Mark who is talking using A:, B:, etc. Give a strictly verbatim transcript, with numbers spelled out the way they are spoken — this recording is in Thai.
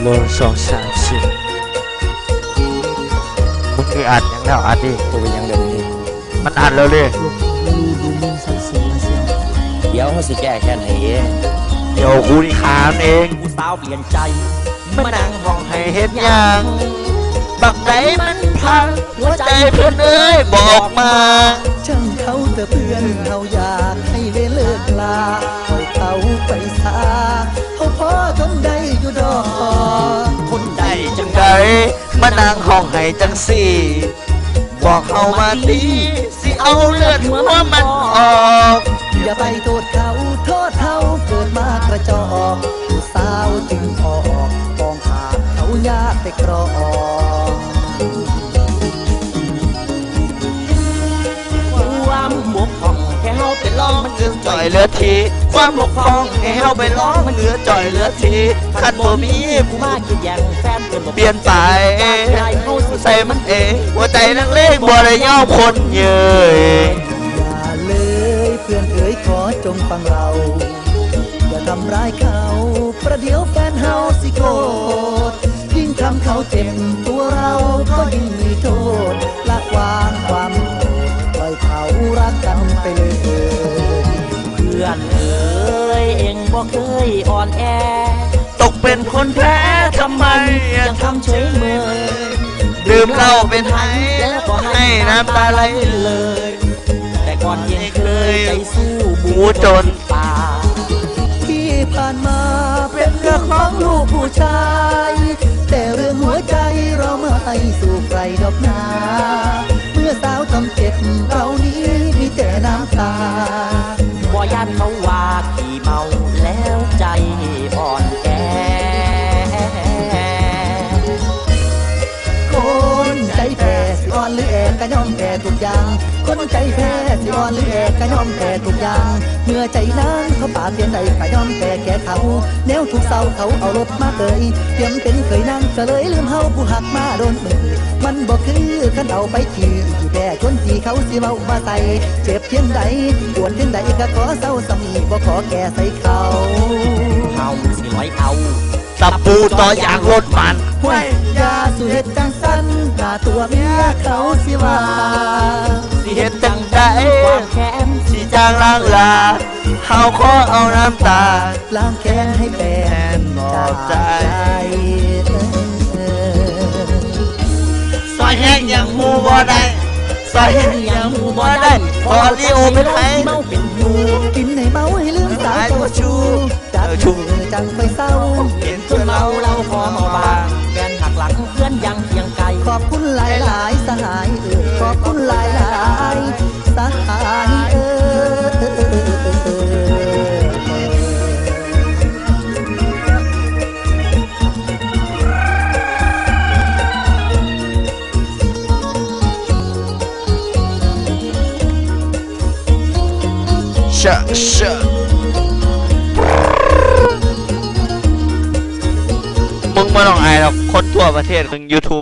A: หนึ่งสองสามสี่มึงคืออัดยังแล้วอัดดิตัวเป็นยังเดิมดิมันอัดแล้วเลย
B: เดี๋ยวเขาสิแก้แค่ไหนเอง
A: เดี๋ยวกูนี่ขามเอง
B: กูสาวเปลี่ยนใจมานั่งห้อง
A: ให้เฮ็ดยังบักใจมันพังหัวใจเพื่อนเอ้ยบอกมา
C: ช่างเขาแต่เพื่อนเขาอยากให้เลิกลาปล่อยเขาไปซาเขาพอทนได้อยู่ดอก
A: ทนได้จังใดมานั่งห้องให้จังสี่บอกเขามาตีสิเอาเลือดหัวมันออก
C: อย่าไปโทษเขาโทษเขาเกิดมากระจอกผู้สาวจึงออกกองขาดเขายากไปกรอง
B: ความบกพร่องแค่เฮาไปลองมันเอื้อ
A: จ่อยเลือทีความบกพร่องให้เฮาไปลองมันเอื้อจ่อยเลือทีคันบ่มี
B: ผู้มาคิดอย่างแฟนเป
A: เปลี่ยนไปใส่มันเองหัวใจนักเลงบ่ได้ยอมคนเย้ย
C: อย่าเลยเพื่อนเอ๋ยขอจงฟังเราอย่าทำร้ายเขาประเดี๋ยวแฟนเฮาสิโกรธยิ่งทำเขาเจ็บตัวเราก็ยิ่งมีโทษละวางความปล่อยเขารักกันไปเลย
B: เพื่อนเอ๋ยเองบ่เคยอ่อนแอ
A: ตกเป็นคนแพ้ทำไม
B: ยังทำเฉยเมย
A: ดื่มเหล้าเป็นไห้แล้วก็ให้น้ำตาไหล
B: เลยแต่ก่อนยังเคยใจสู้
A: บูจน
B: ป่า
C: ที่ผ่านมาเป็นเรื่องของลูกผู้ชายแต่เรื่องหัวใจเราไม่สู่ใครดอกนาเมื่อสาวทำเจ็บเรานี้มีแต่น้ำตา
B: บ่ยันเขาว่าขี่เมาแล้วใจอ่อนแอ
C: คนใจแพ้สิอ่อนหรือแอกก็ยอมแพ้ทุกอย่างคนใจแพ้สิอ่อนหรือแอกก็ยอมแพ้ทุกอย่างเมื่อใจนั้นเขาปาดเปลี่ยนใดก็ยอมแพ้แก่เขาแนวทุกเศร้าเขาเอารถมาเกยเตรียมเป็นเคยนั่งก็เลยลืมเฮาผู้หักมาโดนมือมันบอกคือขันเอาไปขี่ที่แพ้ชนที่เขาสิเมามาใส่เจ็บเพียงใดปวดเพียงใดก็ขอเศร้าสมีบ่ขอแก่ใส่เขา
B: เฮาสิร้อยเอา
A: ตะปูต่ออย่างรถมัน
C: ห้วยยาสุเหตุจังสันกาตัวเมียเขาสิว่า
A: สิเหตุจังใด
B: ความแค้น
A: สิจางล้างลาเฮาขอเอาน้ำตา
C: ล้างแค้นให้แฟน
A: จากใจซอยแห้งอย่างมูบ่ได้ซอยแห้งอย่างมูบ่ได้พอลิโอเป็นไห้
B: เมาเป็นยู
C: กินให้เมาให้ลืมสายตัวชูจับชูจังไปเศร้า
B: เห็นจนเมาเราพอเมาบางแฟนหักหลังเพื่อนยังเคียงไกล
C: ขอบคุณหลายหลายสหายเออขอบคุณหลายหลายสหายเอ
A: อชะชะมึงไม่ต้องอายหรอกคนทั่วประเทศมึง YouTube